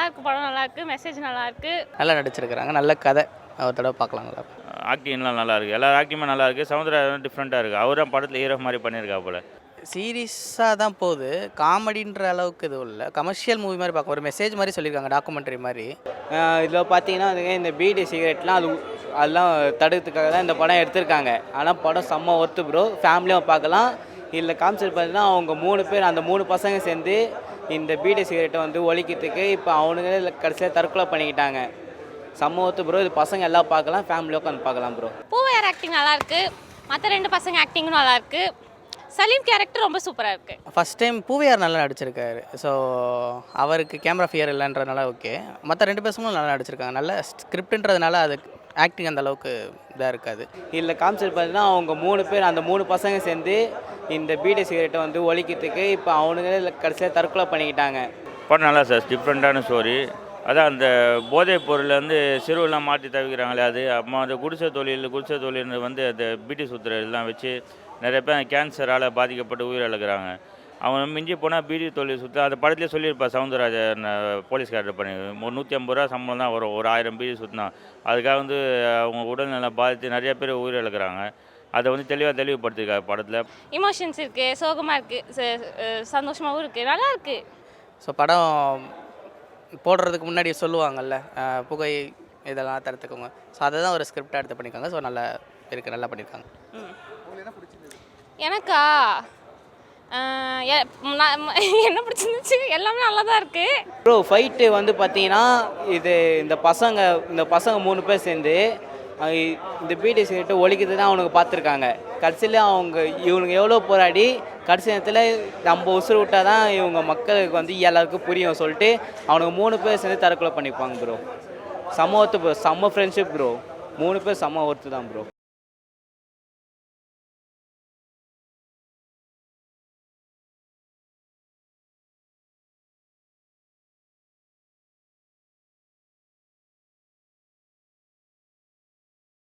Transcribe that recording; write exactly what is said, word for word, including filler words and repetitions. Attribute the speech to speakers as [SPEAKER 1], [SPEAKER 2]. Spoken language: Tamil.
[SPEAKER 1] இருக்கு, படம் நல்லா இருக்கு, மெசேஜ் நல்லா இருக்கு,
[SPEAKER 2] நல்லா நடிச்சிருக்கிறாங்க, நல்ல கதை, ஒரு தடவை பார்க்கலாம். நல்லா
[SPEAKER 3] ஆக்டிங்லாம் நல்லா இருக்குது, எல்லா ஆக்டிங்குமே நல்லா இருக்குது. சமுத்திரா டிஃப்ரெண்ட்டாக இருக்குது, அவர் தான் படத்தில் ஹீரோ மாதிரி பண்ணியிருக்கா போல்.
[SPEAKER 2] சீரியஸாக தான் போகுது, காமெடின்ற அளவுக்கு இது இல்லை, கமர்ஷியல் மூவி மாதிரி பார்க்க ஒரு மெசேஜ் மாதிரி சொல்லியிருக்காங்க, டாக்குமெண்ட்ரி மாதிரி.
[SPEAKER 4] இதில் பார்த்தீங்கன்னா இந்த பீடி சிகரெட்லாம் அது அதெல்லாம் தடுக்கிறதுக்காக தான் இந்த படம் எடுத்திருக்காங்க. ஆனால் படம் செம்ம ஒர்த்து ப்ரோ, ஃபேமிலியாக பார்க்கலாம். இதில் காமிச்சிட்டு பார்த்தீங்கன்னா அவங்க மூணு பேர், அந்த மூணு பசங்க சேர்ந்து இந்த பீடி சிகரெட்டை வந்து ஒழிக்கிறதுக்கு இப்போ அவனுங்களே கடைசியாக தற்கொலை பண்ணிக்கிட்டாங்க. செம்ம ஒர்த்து ப்ரோ, இது பசங்க எல்லாம் பார்க்கலாம், ஃபேமிலியாக உட்காந்து பார்க்கலாம் ப்ரோ.
[SPEAKER 1] பூவையார் ஆக்டிங் நல்லா இருக்கு, மற்ற ரெண்டு பசங்க ஆக்டிங்கும் நல்லா இருக்கு, சலீம் கேரக்டர் ரொம்ப சூப்பராக இருக்குது.
[SPEAKER 2] ஃபஸ்ட் டைம் பூவையார் நல்லா நடிச்சிருக்காரு, ஸோ அவருக்கு கேமரா ஃபியர் இல்லைன்றதுனால ஓகே. மற்ற ரெண்டு பேருமே நல்லா நடிச்சிருக்காங்க, நல்ல ஸ்கிரிப்டுன்றதுனால அது ஆக்டிங் அந்த அளவுக்கு இதாக இருக்காது.
[SPEAKER 4] இதில் காமிச்சிட்டு பார்த்தீங்கன்னா அவங்க மூணு பேர், அந்த மூணு பசங்க சேர்ந்து இந்த பீடி சிகரெட்டை வந்து ஒழிக்கிறதுக்கு இப்போ அவனுங்களே கடைசியாக தற்கொலை பண்ணிக்கிட்டாங்க.
[SPEAKER 3] படம் நல்லா சார், டிஃப்ரெண்ட்டான ஸ்டோரி. அதான் அந்த போதைப் பொருள்லேருந்து சிறுவெல்லாம் மாற்றி தவிக்கிறாங்களே, அது அம்மா அந்த குடிசை தொழில் குடிசை தொழில் வந்து அந்த பீடி சுத்துற எல்லாம் வச்சு நிறைய பேர் கேன்சரால் பாதிக்கப்பட்டு உயிரிழக்கிறாங்க. அவங்க மிஞ்சி போனால் பீடி தொழில் சுற்ற அந்த படத்துலேயே சொல்லியிருப்பா சவுந்தரராஜன் போலீஸ் கேரக்டர் பண்ணி ஒரு நூற்றி ஐம்பது ரூபா சம்பளம் தான் வரும் ஒரு ஆயிரம் பீடி சுற்றினா. அதுக்காக வந்து அவங்க உடல்நல பாதித்து நிறைய பேர் உயிரிழக்கிறாங்க. அதை வந்து தெளிவாக தெளிவுபடுத்திருக்காங்க படத்தில்.
[SPEAKER 1] இமோஷன்ஸ் இருக்குது, சோகமாக இருக்குது, சந்தோஷமாகவும் இருக்குது, நல்லா இருக்குது.
[SPEAKER 2] ஸோ படம் போடுறதுக்கு முன்னாடி சொல்லுவாங்கள்ல, புகை இதெல்லாம் தடுத்துக்கோங்க, ஸோ அதை தான் ஒரு ஸ்கிரிப்டாக எடுத்து பண்ணியிருக்காங்க. ஸோ நல்லா இருக்குது, நல்லா பண்ணியிருக்காங்க.
[SPEAKER 1] எனக்கா என்ன பிடிச்சிருந்துச்சு, எல்லாமே நல்லா தான் இருக்குது
[SPEAKER 4] ப்ரோ. ஃபைட்டு வந்து பார்த்தீங்கன்னா இது இந்த பசங்க இந்த பசங்க மூணு பேர் சேர்ந்து இந்த பீடி சிகரெட்டை ஒழிக்கிறது தான் அவனுக்கு பார்த்துருக்காங்க. கடைசியில் அவங்க இவனுங்க எவ்வளோ போராடி கடைசி நேரத்தில் நம்ம உசுறு விட்டால் தான் இவங்க மக்களுக்கு வந்து எல்லாருக்கும் புரியும் சொல்லிட்டு அவனுக்கு மூணு பேர் சேர்ந்து தற்கொலை பண்ணிப்பாங்க ப்ரோ. செம்ம ஒர்த்து ப்ரோ, செம்ம ஃப்ரெண்ட்ஷிப் ப்ரோ, மூணு பேர் செம்ம ஒர்த்து தான் ப்ரோ.